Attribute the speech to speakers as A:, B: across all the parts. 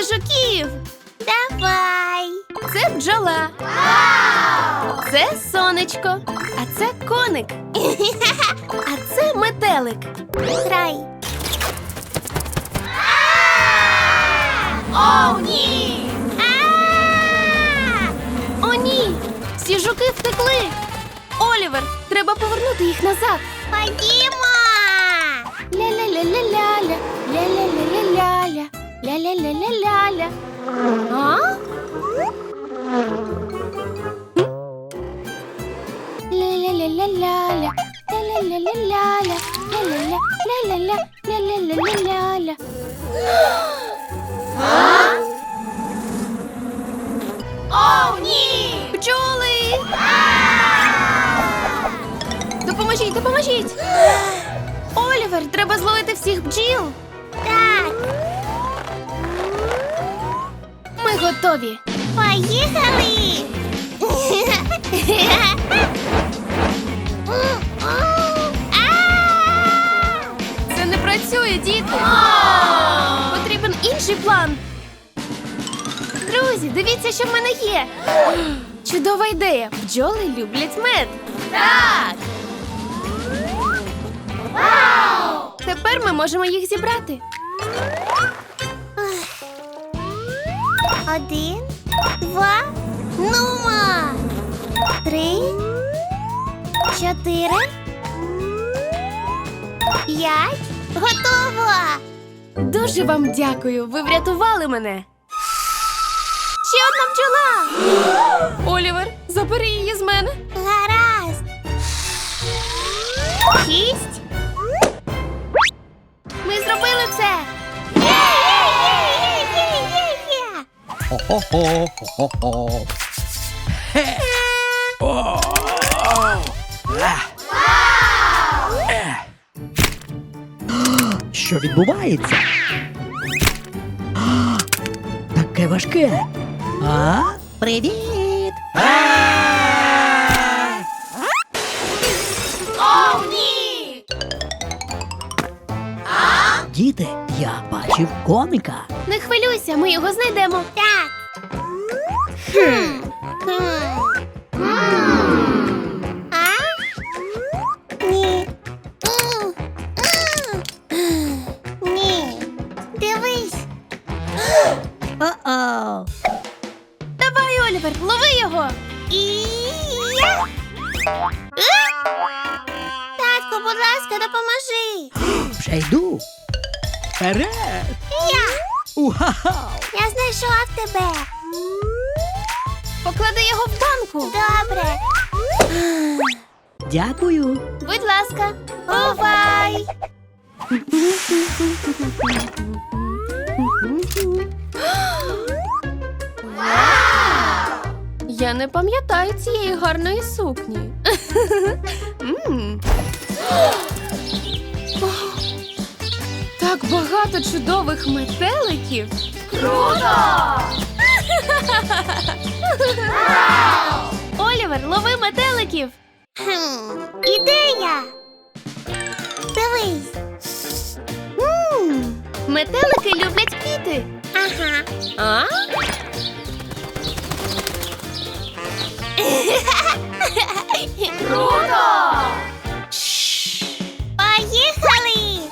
A: зловити жуків.
B: Давай.
A: Це бджола. Це сонечко. А це коник. А це метелик.
B: Грай.
A: О, ні! О, ні! Всі жуки втекли. Олівер, треба повернути їх назад.
B: Ходімо.
A: Ля-ля-ля-ля-ля-ля, ля-ля-ля-ля-ля-ля, ля-ля-ля-ля-ля-ля. А? Ля-ля-ля-ля-ля-ля, ля-ля-ля-ля-ля-ля, ля-ля-ля-ля-ля-ля, ля-ля-ля-ля-ля-ля. О, ні! Бджоли! Допоможіть, допоможіть! Олівер, треба зловити всіх бджіл.
B: Так,
A: Ми готові.
B: поїхали.
A: Це не працює, діти. Потрібен інший план. Друзі, дивіться, що в мене є. Чудова ідея. Бджоли люблять мед. Так. Тепер ми можемо їх зібрати.
B: 1, 2, нумо. 3, 4, 5. Готово.
A: Дуже вам дякую. Ви врятували мене. Ще одна бджола. Олівер, забери її з мене.
B: Гаразд. 6.
A: Ми зробили це.
B: Є-є-є-є-є-є.
C: Хо-хо-хо, хо-хо-хо. Що відбувається? Таке важке. А? Привіт!
A: О, ні!
C: Діти, я бачив коника.
A: Не хвилюйся, ми його знайдемо.
B: Так. А? Ні. Ні. Дивись.
C: О-о!
A: Давай, Олівер, лови його.
B: І я. Татко, будь ласка, допоможи.
C: Вже йду. Вперед!
B: Я.
C: Уха-ха!
B: Я знайшов тебе.
A: Поклади його в банку.
B: Добре.
C: Дякую.
A: Будь ласка.
B: Бувай.
A: Я не пам'ятаю цієї гарної сукні. М. О, так багато чудових метеликів. Круто! Олівер, лови метеликів.
B: Ідея. Дивись.
A: Метелики люблять квіти.
B: Ага.
A: А? Круто!
B: Поїхали.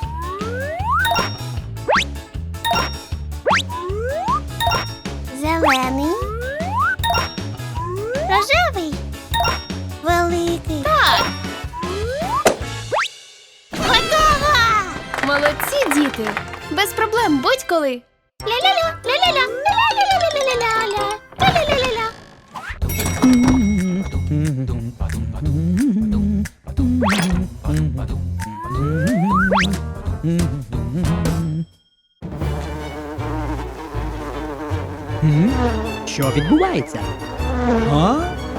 B: Зелений. Рожевий. Великий.
A: Так,
B: Готово.
A: молодці, діти. Без проблем, будь-коли.
B: Ля-ля-ля, ля-ля-ля, ля-ля-ля-ля-ля-ля, ля-ля-ля-ля-ля.
C: Що відбувається? А?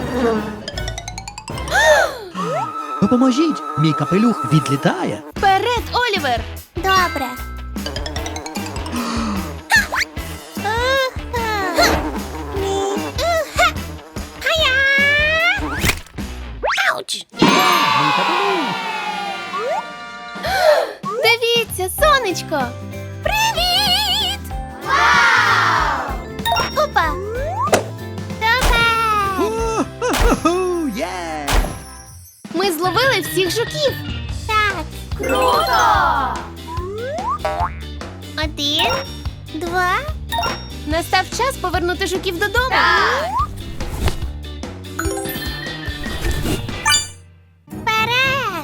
C: Допоможіть! Мій капелюх відлітає.
A: Вперед, Олівер!
B: Добре. Ні. Хая! Ауч!
C: Мій капелюх!
A: Дивіться, сонечко!
B: Привіт!
A: Вау! ми зловили всіх жуків.
B: Так.
A: Круто!
B: 1, 2.
A: Настав час повернути жуків додому.
B: Вперед!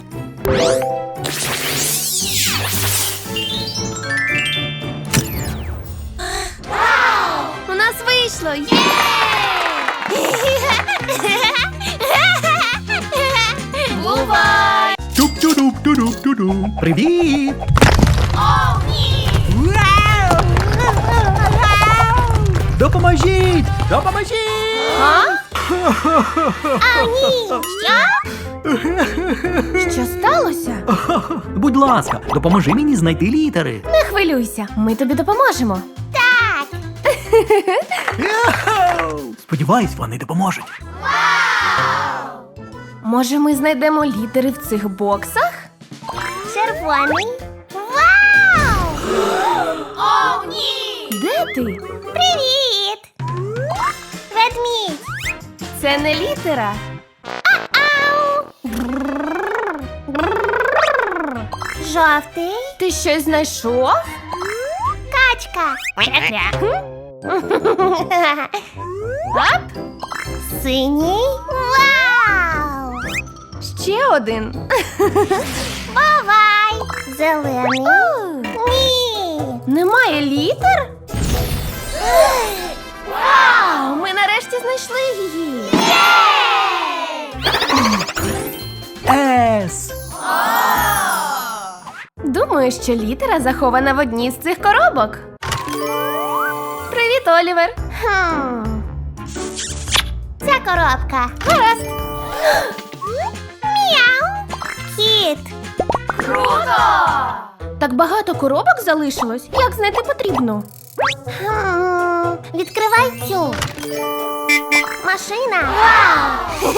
A: У нас вийшло! Є! Бувай!
C: Туп-ту-дуп-ту-дуп-ту-ду. Привіт! Допоможіть! Допоможіть!
A: А?
B: А, ні! Що?
A: Що сталося?
C: Будь ласка, допоможи мені знайти літери.
A: Не хвилюйся, ми тобі допоможемо.
B: Так!
C: Сподіваюсь, вони допоможуть.
A: Може, ми знайдемо літери в цих боксах?
B: Червоний. Вау!
A: О, ні! Де ти?
B: Привіт! Ведмідь!
A: Це не літера.
B: Ау! Жовтий.
A: Ти щось знайшов?
B: Качка.
A: Ап?
B: Синій. Вау!
A: Ще один.
B: Бувай! Зелений. Ні!
A: Немає літер? Вау! Ми нарешті знайшли її.
C: Ес!
A: Думаю, що літера захована в одній з цих коробок. Привіт, Олівер.
B: Ця коробка.
A: Гаразд.
B: Мяу! Кіт.
A: Круто! Так багато коробок залишилось. Як знайти потрібно?
B: Відкривай цю. Машина. Вау!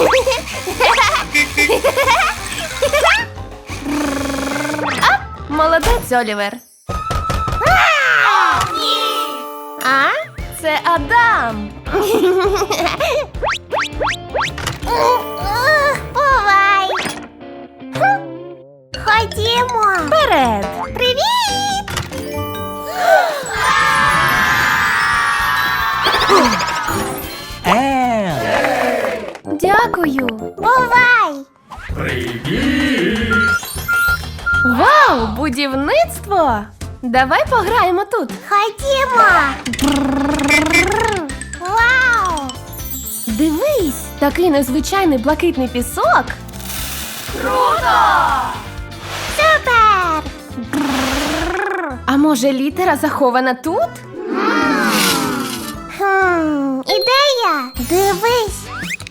A: Молодець, Олівер.
B: А?
A: Це Адам.
B: Бувай! Ходімо!
A: Вперед.
B: Привіт!
A: Дякую.
B: Бувай!
A: Вау, будівництво! Давай пограємо тут.
B: Ходімо! Вау!
A: Дивись, такий незвичайний блакитний пісок.
B: Супер!
A: А може літера захована тут?
B: Ідея! Дивись!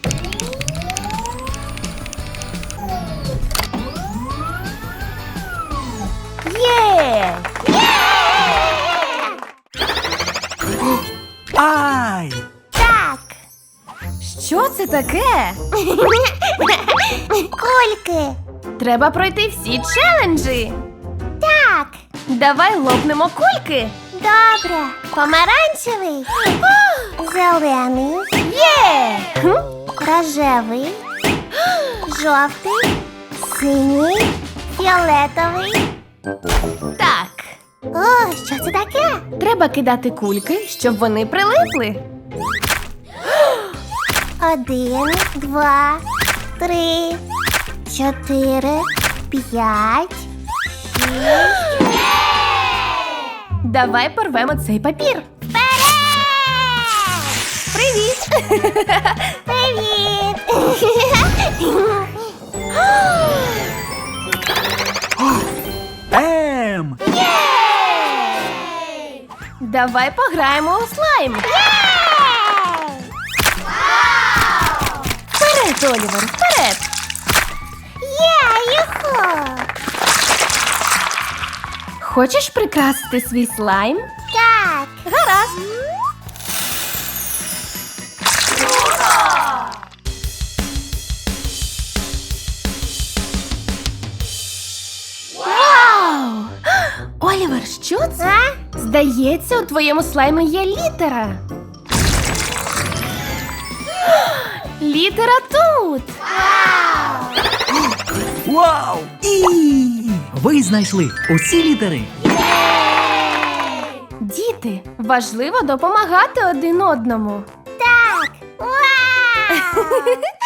A: Є!
C: Ай!
B: Так!
A: Що це таке?
B: Кульки!
A: Треба пройти всі челенджі.
B: Так!
A: Давай лопнемо кульки.
B: Добре! Помаранчевий! Зелений!
A: Є!
B: Рожевий! Жовтий! Синій! Фіолетовий!
A: Так.
B: О, що це таке?
A: Треба кидати кульки, щоб вони прилипли.
B: 1, 2, 3, 4, 5, 6.
A: Давай порвемо цей папір. Привіт!
B: Привіт!
A: Давай пограємо у слайм. Вперед, Олівер, вперед!
B: Юху!
A: Хочеш прикрасити свій слайм?
B: Так!
A: Гаразд. Вау! Олівер, що це?
B: А?
A: Здається, у твоєму слаймі є літера. Літера тут.
C: Вау! І! Ви знайшли усі літери.
A: Діти, важливо допомагати один одному.
B: Так! Вау!